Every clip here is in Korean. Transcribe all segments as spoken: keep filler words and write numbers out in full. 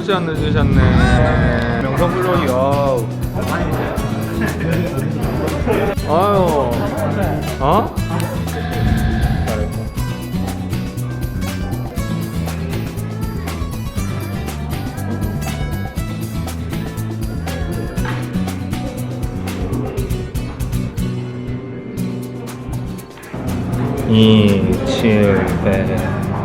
시간 늦으셨네. 명성블록이 와우. 아유. 어? 잘했고. 이, 칠, 배.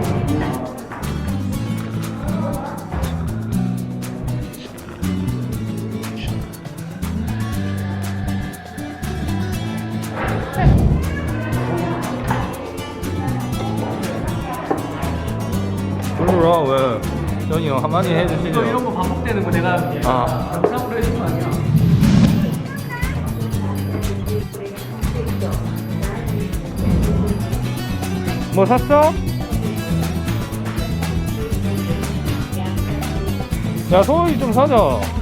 불러라 왜? 전이 형 한마디 해주시죠. 이런 거 반복되는 거 내가 아. 영상으로 해준 거 아니야? 뭐 샀어? 야 소고기 좀 사자.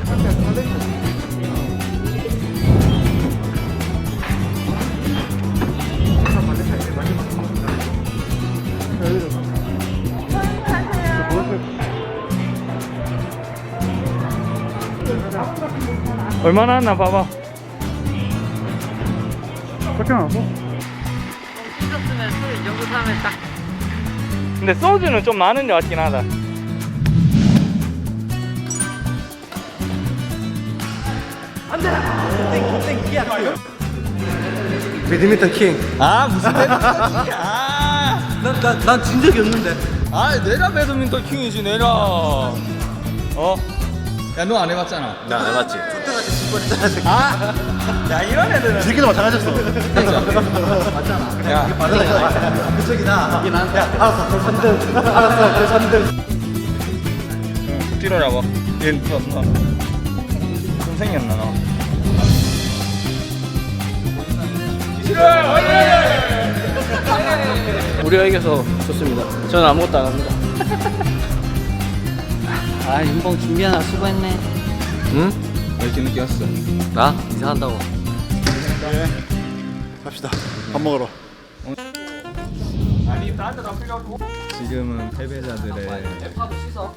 얼마나 왔나 봐봐. 그렇게 나왔어? 찢었으면 술 이 정도 사면 딱. 근데 소주는 좀 많은 것 같긴 하다. 배드민턴 킹. 아 무슨 배드민턴 킹? 아, 난난 진 적이 없는데. 아 내가 배드민턴 킹이지 내가. 어? 야 너 안 해봤잖아. 나 안 해봤지. 쫓겨가지고 죽버렸잖아. 아, 야 이런 애들은. 새끼도 마찬가지였어. 맞잖아. 야, 그쪽이다. 이게 나한테. 야, 알았어. 저 삼 등. 알았어. 저 삼 등. 응, 뛰러라고. 얘 너, 너. 좀 생겼나 너. 우리가 이겨서 좋습니다. 저는 아무것도 안 합니다. 아, 윤봉 준비하나 수고했네. 응? 왜 이렇게 늦게 왔어? 나? 이사한다고. 갑시다. 밥 먹으러. 아니 나한테 나 필요하고. 지금은 패배자들의 파도 씻어.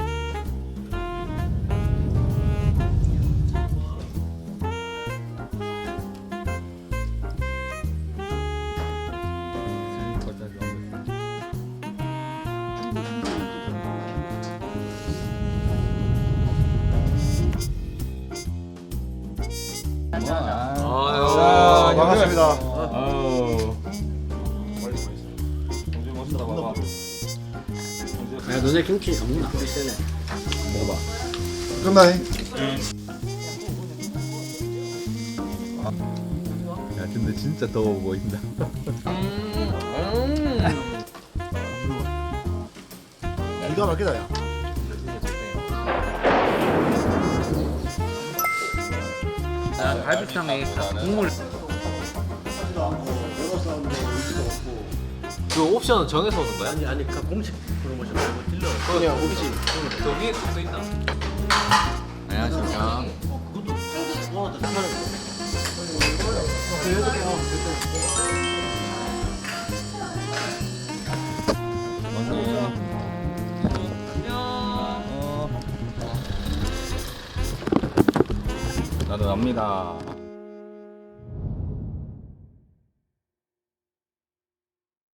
아유, 반갑습니다. 아유. 정신 멋있다 봐봐. 야, 너네 김치 너무 안 세네. 먹어봐. 끝나니? 야 근데 진짜 더워 보인다. 기가 막히다 야. 아, 갈비탕에 국물. 그 옵션은 정해서 오는 거야? 아니 아니 그 공식 프로모션 말고 딜러 그냥 오비지 저기 써 있다. 안녕하십니까. 나도 납니다.